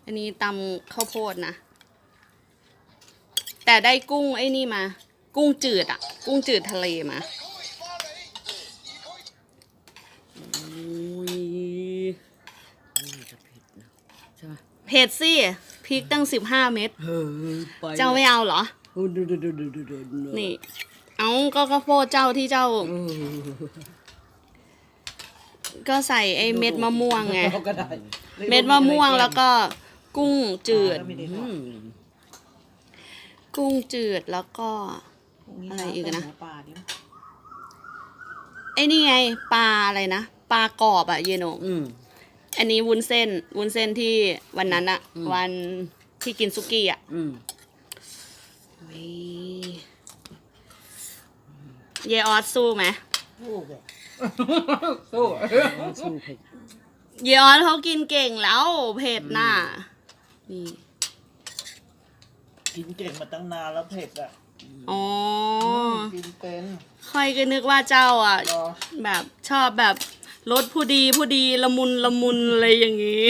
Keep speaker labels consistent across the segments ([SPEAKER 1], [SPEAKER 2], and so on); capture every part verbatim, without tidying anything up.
[SPEAKER 1] อันนี้ตำข้าวโพดนะแต่ได้กุ้งไอ้นี่มากุ้งจืดอ่ะกุ้งจืดทะเลมาเผ็ดสิพริกตั้งสิบห้าเม็ดเจ้าไม่เอาเหรอนี่เอาก็ข้าวโพดเจ้าที่เจ้าก็ใส่ไอ้เม็ดมะม่วงไงเม็ดมะม่วงแล้วก็กุ้งจืดกุ้งจืดแล้วก็อะไรอีกนะไอ้นี่ไงปลาอะไรนะปลากรอบอะเยโนอันนี้วุ้นเส้นวุ้นเส้นที่วันนั้นอะวันที่กินซุกี้อะเยออสสู้ไหมสู้สู้สู้เผ็ดเยออสเขากินเก่งแล้วเผ็ดน่ะนี่
[SPEAKER 2] กินเก่งมาตั้งนานแล้วเผ็ดอ่ะ
[SPEAKER 1] อ๋อ
[SPEAKER 2] กินเป็น
[SPEAKER 1] ค่อยก็นึกว่าเจ้าอ่ะแบบชอบแบบรสผู้ดีผู้ดีละมุนละมุนอะไรอย่างงี้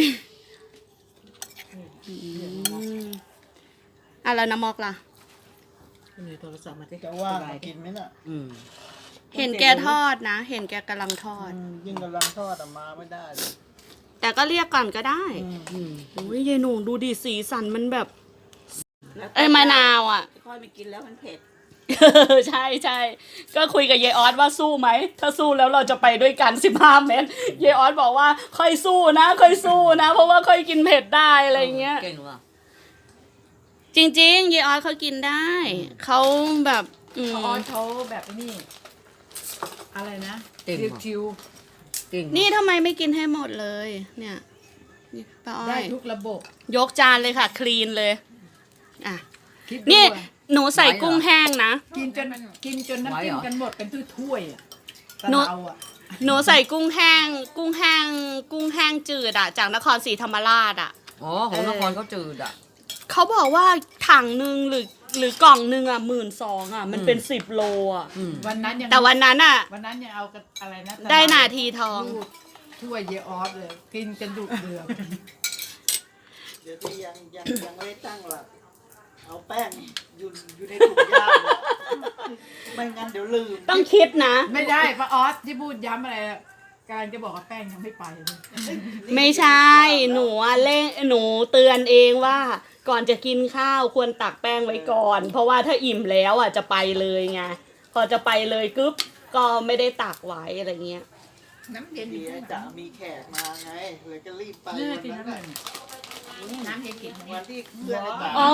[SPEAKER 1] อ่ะแล้วน้ำมอกล่ะ
[SPEAKER 2] มีโทรศัพท์มาที่จะว่ากินไหมน่ะ
[SPEAKER 1] เห็นแกทอดนะเห็นแกกำลังทอด
[SPEAKER 2] ยิ่งกำลังทอดออกมาไม่ได้เลย
[SPEAKER 1] แต่ก็เรียกก่อนก็ได้โอ้ยยายหนูดูดิสีสันมันแบบเอ้ยมะนาวอ่ะ
[SPEAKER 3] ค่อยไปกินแล้วมันเผ็ด
[SPEAKER 1] ใช่ใช่ก็คุยกับยายออสว่าสู้ไหมถ้าสู้แล้วเราจะไปด้วยกันสิบห้าเมตรยายออสบอกว่าค่อยสู้นะค่อยสู้นะเพราะว่าค่อยกินเผ็ดได้อะไรเงี้ย
[SPEAKER 3] เก่งว่ะ
[SPEAKER 1] จริงๆยายออสเขากินได้เขาแบบ
[SPEAKER 4] เขาออสเขาแบบนี้อะไรนะชิว
[SPEAKER 1] ๆนี่ทำไมไม่กินให้หมดเลยเนี่ยป้าอ้อย
[SPEAKER 4] ได้ทุกระบบ
[SPEAKER 1] ยกจานเลยค่ะคลีนเลยอ่ะนี่หนูใส่กุ้งแห้งนะ
[SPEAKER 4] กินจนกินจนน้ำจิ้มกันหมดเป็นถ้วยอ่ะ
[SPEAKER 1] หนูหนูใส่กุ้งแห้งกุ้งแห้งกุ้งแห้งจืดอ่ะจากนครศรีธรรมราชอ่ะ
[SPEAKER 3] อ๋อของนครเขาจืดอ่ะ
[SPEAKER 1] เขาบอกว่าถังหนึ่งหรือหรือกล่องหนึ่งอ่ะหมื่นสองอ่ะมันเป็นสิบโลอ่ะ
[SPEAKER 4] วันนั้นยัง
[SPEAKER 1] แต่วันนั้นอ่ะ
[SPEAKER 4] วันนั้นยังเอาอะไรนะ
[SPEAKER 1] ได้นาทีทอง
[SPEAKER 4] ถ้วยเยออสเลยกินกันดุเดือด
[SPEAKER 2] เดี๋ยวที่ยังยังยังไม่ตั้งหลักเอาแป้งอยู่อยู่ในถุงยางไม่งั้นเดี๋ยวลืม
[SPEAKER 1] ต้องคิดนะ
[SPEAKER 4] ไม่ได้ป้าออสที่พูดย้ำอะไรการจะบอกว่าแป้งยังไม่ไป
[SPEAKER 1] ไม่ใช่หนูเล่นหนูเตือนเองว่าก่อนจะกินข้าวควรตักแป้งไว้ก่อนเพราะว่าถ้าอิ่มแล้วอ่ะจะไปเลยไงพอจะไปเลยกึ๊บก็ไม่ได้ตักไว้อะไรเงี้ย
[SPEAKER 2] น้ำเย็นจะมีแขกมาไงเลยก็รีบไปวันนั้น
[SPEAKER 3] น้ำเย็นกิน
[SPEAKER 2] วันที่เพื่อนในบ้าน
[SPEAKER 1] อ๋อ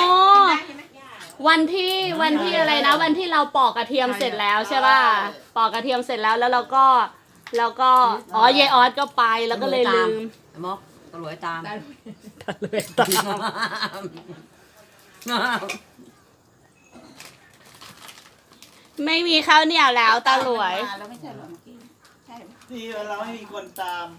[SPEAKER 1] วันที่วันที่อะไรนะวันที่เราปอกกระเทียมเสร็จแล้วใช่ป่ะปอกกระเทียมเสร็จแล้วแล้วเราก็แล้วก็อ๋อยายออสก็ไปแล้วก็เลยลืม
[SPEAKER 3] มอกตะลวยตาม
[SPEAKER 1] ตะลวยตามไม่มีข้าวเหนียวแล้วตาหลวย
[SPEAKER 2] นี่เราไม่มีคนตาม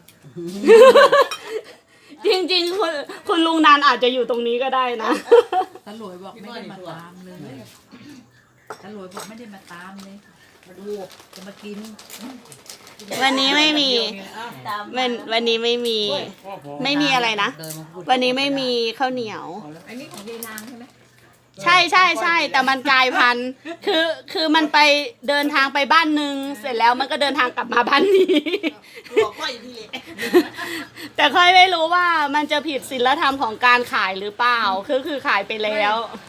[SPEAKER 1] จริงๆคุณคุณลุงนันอาจจะอยู่ตรงนี้ก็ได้นะ
[SPEAKER 4] ตาหลวยบอกไม่ได้มาตามเลยตาหลวยบอกไม่ได้มาตามเลยมาดูจะมากิน
[SPEAKER 1] วันนี้ไม่มีวันวันนี้ไม่มีไม่มีอะไรนะวันนี้ไม่มีข้าวเหนียว
[SPEAKER 4] อันนี้ของยายนางใช่ไหม
[SPEAKER 1] ใช่ใช่ใช่แต่มันกลายพันธุ์คือคือมันไปเดินทางไปบ้านนึงเสร็จแล้วมันก็เดินทางกลับมาบ้านนี้แต่ค่อยไม่รู้ว่ามันจะผิดศีลธรรมของการขายหรือเปล่าคือคือขายไปแล้ว